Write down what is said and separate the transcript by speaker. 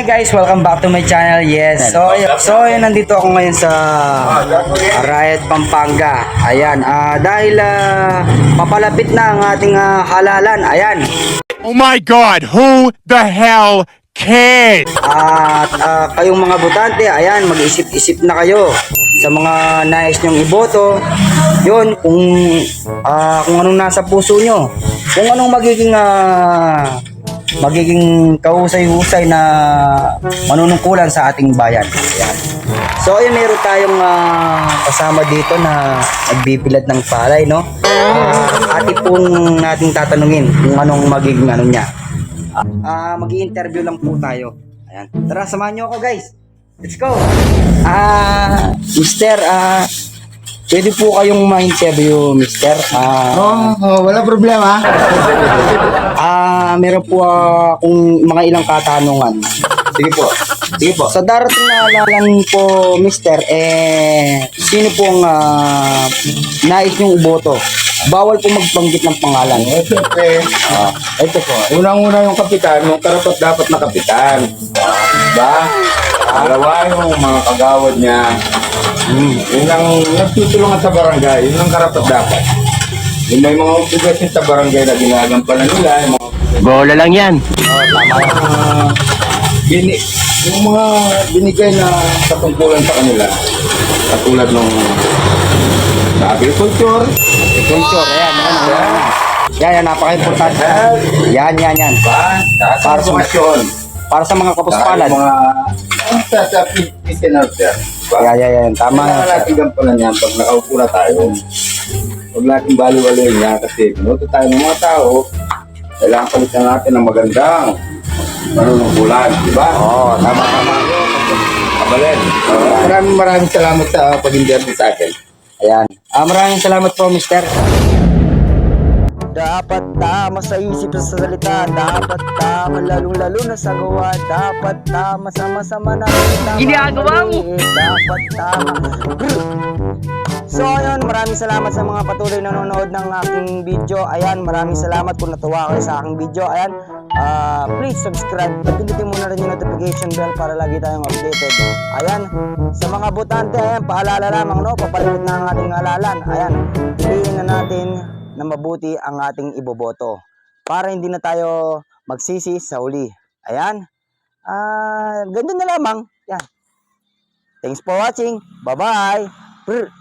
Speaker 1: Hi guys, welcome back to my channel. Yes. So ayun, nandito ako ngayon sa Riot Pampanga. Ayan, dahil papalapit na ang ating halalan. Ayan.
Speaker 2: Oh my God, who the hell cares?
Speaker 1: At kayong mga botante, ayan, mag-isip-isip na kayo sa mga nais nyong iboto. Yun, kung anong nasa puso nyo. Kung anong magiging kahusay-husay na manunungkulan sa ating bayan. Ayan. So ayun, meron tayong kasama dito na nagbibilad ng palay, no? Ati pong nating tatanungin kung anong magiging ano niya. Mag-i-interview lang po tayo. Ayan. Tara, samahan nyo ako guys. Let's go. Mister, pwede po kayong ma-interview, Mister.
Speaker 3: Wala problema.
Speaker 1: Meron po akong mga ilang katanungan.
Speaker 3: Sige po. Sige po.
Speaker 1: Sa darating na halalan po, Mister, sino pong nais niyong iboto? Bawal po magbanggit ng pangalan.
Speaker 3: Siyempre, ito po. Unang-una yung kapitan, yung karapat dapat na kapitan. Diba? Dalawa yung mga kagawad niya. Yun ang nagtutulungan sa barangay. Yun ang karapat dapat. Yung may mga obligasyon sa barangay na ginagampanan nila.
Speaker 2: Bola lang yan.
Speaker 3: Yung mga binigay na katungkulan sa kanila. Katulad nung sa agriculture.
Speaker 1: Yan, napaka-importante. Yan.
Speaker 3: Para sa edukasyon.
Speaker 1: Para sa mga kapuspalad.
Speaker 3: Sa listener, sir.
Speaker 1: Yan. Tama.
Speaker 3: Kailangan natin gampanan yan pag nakaupo na tayo. Huwag natin baliwalayin niya kasi pinuto tayo ng mga tao. Kailangan palitan natin ng magandang manunungkulan. Diba?
Speaker 1: Oo, tama.
Speaker 3: Kabalin. Maraming salamat sa pag-interview sa akin.
Speaker 1: Ayan. Maraming salamat po, Mister. Dapat tama sa isip sa salita. Dapat tama lalong-lalo na sa gawa. Dapat tama sama-sama na ginagawa mo. Dapat tama. So ayun, maraming salamat sa mga patuloy na nanonood ng aking video. Ayan, maraming salamat kung natuwa kayo sa aking video. Ayan, please subscribe at pindutin mo na rin yung notification bell para lagi tayong updated. Ayan, sa mga botante, ayan, paalala lamang, no, papalipit na ang ating halalan. Ayan, piliin na natin na mabuti ang ating iboboto para hindi na tayo magsisi sa huli. Ayan, ganun na lamang. Yan. Thanks for watching. Bye-bye.